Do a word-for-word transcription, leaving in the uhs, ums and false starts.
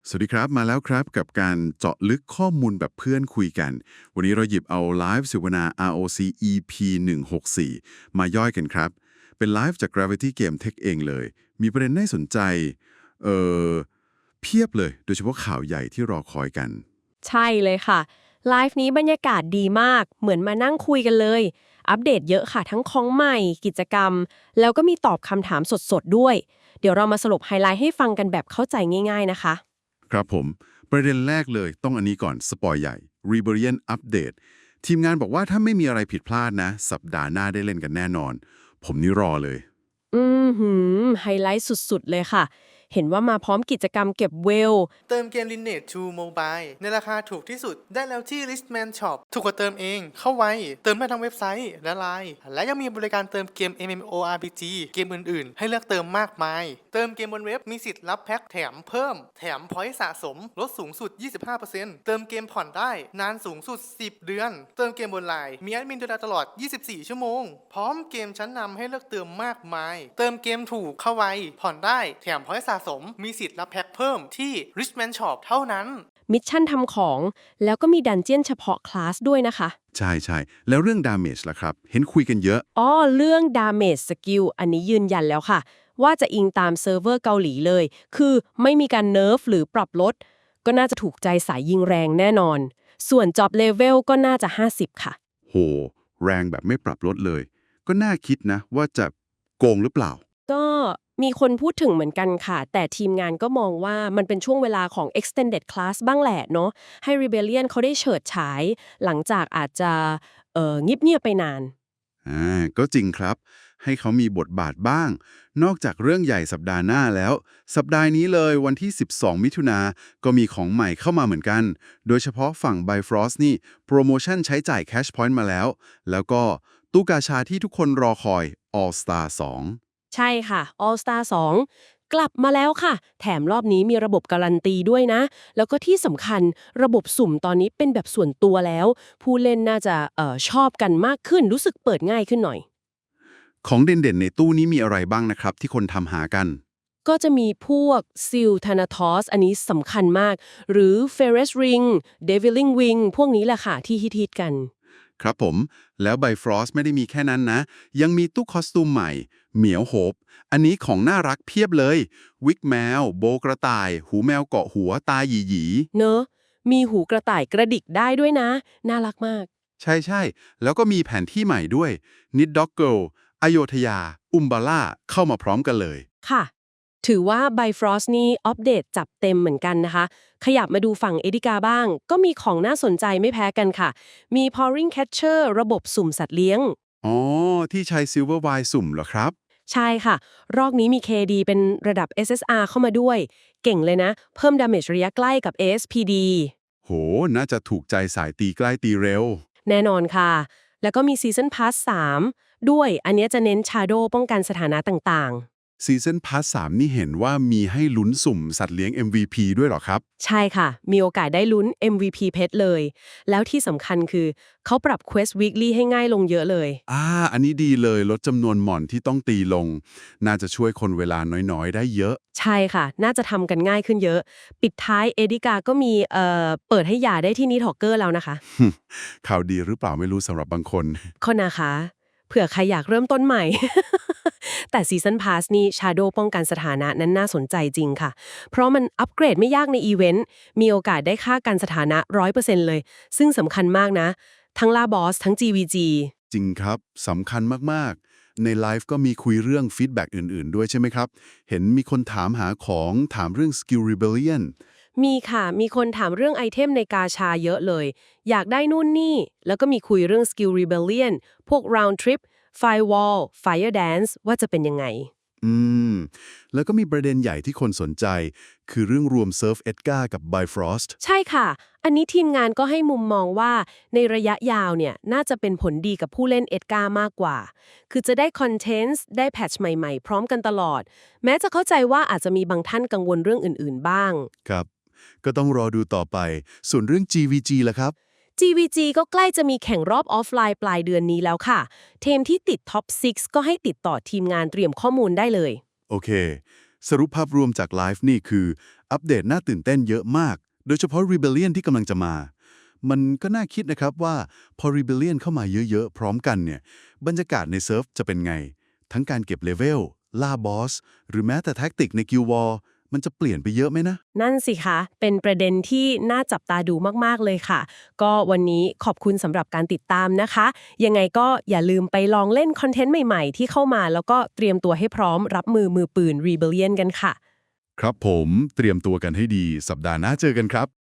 สวัสดีครับมาแล้วครับกับการเจาะลึกข้อมูลแบบเพื่อนคุยกันวันนี้เราหยิบเอาไลฟ์เสวนา อาร์ โอ ซี อี พี หนึ่งหกสี่มาย่อยกันครับเป็นไลฟ์จาก Gravity Game Tech เองเลยมีประเด็นน่าสนใจเอ่อเพียบเลยโดยเฉพาะข่าวใหญ่ที่รอคอยกันใช่เลยค่ะไลฟ์นี้บรรยากาศดีมากเหมือนมานั่งคุยกันเลยอัปเดตเยอะค่ะทั้งของใหม่กิจกรรมแล้วก็มีตอบคำถามสดๆด้วยเดี๋ยวเรามาสรุปไฮไลท์ให้ฟังกันแบบเข้าใจง่ายๆนะคะครับผมประเด็นแรกเลยต้องอันนี้ก่อนสปอยใหญ่ Rebellion Update ทีมงานบอกว่าถ้าไม่มีอะไรผิดพลาดนะสัปดาห์หน้าได้เล่นกันแน่นอนผมนี่รอเลยอือหือไฮไลท์สุดๆเลยค่ะเห็นว่ามาพร้อมกิจกรรมเก็บเวลเติมเกม Lineage ทู Mobile ในราคาถูกที่สุดได้แล้วที่ Listman Shop ถูกกว่าเติมเอง เข้าไวเติมได้ทั้งเว็บไซต์และไลน์และยังมีบริการเติมเกม เอ็ม เอ็ม โอ อาร์ พี จี เกมอื่นๆ ให้เลือกเติมมากมาย เติมเกมบนเว็บมีสิทธิ์รับแพ็คแถมเพิ่ม แถมพอยต์สะสมลดสูงสุด ยี่สิบห้าเปอร์เซ็นต์ เติมเกมผ่อนได้นานสูงสุด สิบ เดือน เติมเกมบนไลน์มีแอดมินดูแลตลอด ยี่สิบสี่ ชั่วโมง พร้อมเกมชั้นนำให้เลือกเติมมากมาย เติมเกมถูกเข้าไวผ่อนได้แถมพอยต์สะสมมีสิทธิ์รับแพ็คเพิ่มที่ Richman Shop เท่านั้นมิชชั่นทำของแล้วก็มีดันเจี้ยนเฉพาะคลาสด้วยนะคะใช่ใช่แล้วเรื่อง damage ล่ะครับเห็นคุยกันเยอะอ๋อเรื่อง damage skill อันนี้ยืนยันแล้วค่ะว่าจะอิงตามเซิร์ฟเวอร์เกาหลีเลยคือไม่มีการเนิร์ฟหรือปรับลดก็น่าจะถูกใจสายยิงแรงแน่นอนส่วน job level ก็น่าจะห้าสิบค่ะโหแรงแบบไม่ปรับลดเลยก็น่าคิดนะว่าจะโกงหรือเปล่าก็มีคนพูดถึงเหมือนกันค่ะแต่ทีมงานก็มองว่ามันเป็นช่วงเวลาของ extended class บ้างแหละเนาะให้ Rebellion เขาได้เฉิดฉายหลังจากอาจจะเอ่อเงียบๆไปนานอ่าก็จริงครับให้เขามีบทบาทบ้าง นอกจากเรื่องใหญ่สัปดาห์หน้าแล้ว สัปดาห์นี้เลยวันที่ สิบสอง มิถุนาก็มีของใหม่เข้ามาเหมือนกัน โดยเฉพาะฝั่ง Bifrost นี่โปรโมชั่นใช้จ่าย Cash Point มาแล้ว แล้วก็ตู้กาชาที่ทุกคนรอคอย All Star สองใช่ค่ะ All Star สองกลับมาแล้วค่ะแถมรอบนี้มีระบบการันตีด้วยนะแล้วก็ที่สำคัญระบบสุ่มตอนนี้เป็นแบบส่วนตัวแล้ว ผู้เล่นน่าจะเอ่อชอบกันมากขึ้นรู้สึกเปิดง่ายขึ้นหน่อยของเด่นๆในตู้นี้มีอะไรบ้างนะครับที่คนทำหากันก็จะมีพวกซิลธานาทอสอันนี้สำคัญมาก หรือเฟเรสริงเดวิลลิงวิงพวกนี้แหละค่ะที่ฮิตๆกันครับผม แล้ว Bifrost ไม่ได้มีแค่นั้นนะ ยังมีตู้คอสตูมใหม่ เหมียวโฮปอันนี้ของน่ารักเพียบเลย วิกแมว โบกระต่าย หูแมวเกาะหัว ตาหยีหยีเนอะมีหูกระต่ายกระดิกได้ด้วยนะ น่ารักมากใช่ใช่ แล้วก็มีแผนที่ใหม่ด้วย นิดด็อกเกิลอโยธยา อุมบาล่า เข้ามาพร้อมกันเลยค่ะ ถือว่า Bifrost นี่อัปเดตจับเต็มเหมือนกันนะคะ ขยับมาดูฝั่งเอดิกาบ้าง ก็มีของน่าสนใจไม่แพ้กันค่ะ มี Pouring Catcher ระบบสุ่มสัตว์เลี้ยงอ๋อ ที่ใช้ Silver Wire สุ่มเหรอครับใช่ค่ะ รอบนี้มี เค ดี เป็นระดับ เอส เอส อาร์ เข้ามาด้วย เก่งเลยนะ เพิ่ม damage ระยะใกล้กับ เอ เอส พี ดีโห น่าจะถูกใจสายตีใกล้ตีเร็วแน่นอนค่ะ แล้วก็มี Season Pass สาม ด้วย อันเนี้ยจะเน้น Shadow ป้องกันสถานะต่างซีซั่นพาสสามนี่เห็นว่ามีให้ลุ้นสุ่มสัตว์เลี้ยง เอ็ม วี พี ด้วยเหรอครับๆ ใช่ค่ะ มีโอกาสได้ลุ้น เอ็ม วี พี Pet เลย แล้วที่สำคัญคือ เขาปรับ Quest Weekly ให้ง่ายลงเยอะเลยอ่า อันนี้ดีเลยลดจำนวนหม่อนที่ต้องตีลง น่าจะช่วยคนเวลาน้อยๆ ได้เยอะใช่ค่ะ น่าจะทำกันง่ายขึ้นเยอะ ปิดท้ายเอดิกาก็มีเอ่อเปิดให้หย่าได้ที่นิทอกเกอร์แล้วนะคะข่าวดีหรือเปล่าไม่รู้สำหรับบางคนคนนะคะเผื่อใครอยากเริ่มต้นใหม่ แต่ซีซันพาสนี่ Shadow ป้องกันสถานะนั้นน่าสนใจจริงค่ะ เพราะมันอัปเกรดไม่ยากในอีเวนต์ มีโอกาสได้ค่ากันสถานะ ร้อยเปอร์เซ็นต์ เลย ซึ่งสำคัญมากนะ ทั้งล่าบอสทั้ง จี วี จีจริงครับสำคัญมากๆ ในไลฟ์ก็มีคุยเรื่องฟีดแบ็กอื่นๆ ด้วยใช่ไหมครับ เห็นมีคนถามหาของถามเรื่อง Skill Rebellion มีค่ะ มีคนถามเรื่องไอเทมในกาชาเยอะเลย อยากได้นู่นนี่ แล้วก็มีคุยเรื่อง Skill Rebellion พวก Round Trip Firewall Fire Dance ว่าจะเป็นยังไงอืม แล้วก็มีประเด็นใหญ่ที่คนสนใจ คือเรื่องรวม Surf Edgar กับ Bifrost ใช่ค่ะ อันนี้ทีมงานก็ให้มุมมองว่าในระยะยาวเนี่ยน่าจะเป็นผลดีกับผู้เล่นเอ็ดการ์มากกว่า คือจะได้คอนเทนต์ได้แพทช์ใหม่ๆ พร้อมกันตลอด แม้จะเข้าใจว่าอาจจะมีบางท่านกังวลเรื่องอื่นๆบ้างครับ ก็ต้องรอดูต่อไป ส่วนเรื่อง จี วี จี ล่ะครับจี วี จี ก็ใกล้จะมีแข่งรอบออฟไลน์ปลายเดือนนี้แล้วค่ะ ทีมที่ติดท็อปซิกก็ให้ติดต่อทีมงานเตรียมข้อมูลได้เลยโอเคสรุปภาพรวมจากไลฟ์นี่คืออัปเดตน่าตื่นเต้นเยอะมาก โดยเฉพาะ Rebellion ที่กำลังจะมา มันก็น่าคิดนะครับว่าพอ Rebellion เข้ามาเยอะๆ พร้อมกันเนี่ยบรรยากาศในเซิร์ฟจะเป็นไง ทั้งการเก็บเลเวลล่าบอสหรือแม้แต่แท็กติกในกิลวอร์มันจะเปลี่ยนไปเยอะไหมนะนั่นสิคะ เป็นประเด็นที่น่าจับตาดูมากๆเลยค่ะ ก็วันนี้ขอบคุณสำหรับการติดตามนะคะ ยังไงก็อย่าลืมไปลองเล่นคอนเทนต์ใหม่ๆ ที่เข้ามาแล้วก็เตรียมตัวให้พร้อมรับมือมือปืน Rebellion กันค่ะครับผมเตรียมตัวกันให้ดีสัปดาห์หน้าเจอกันครับ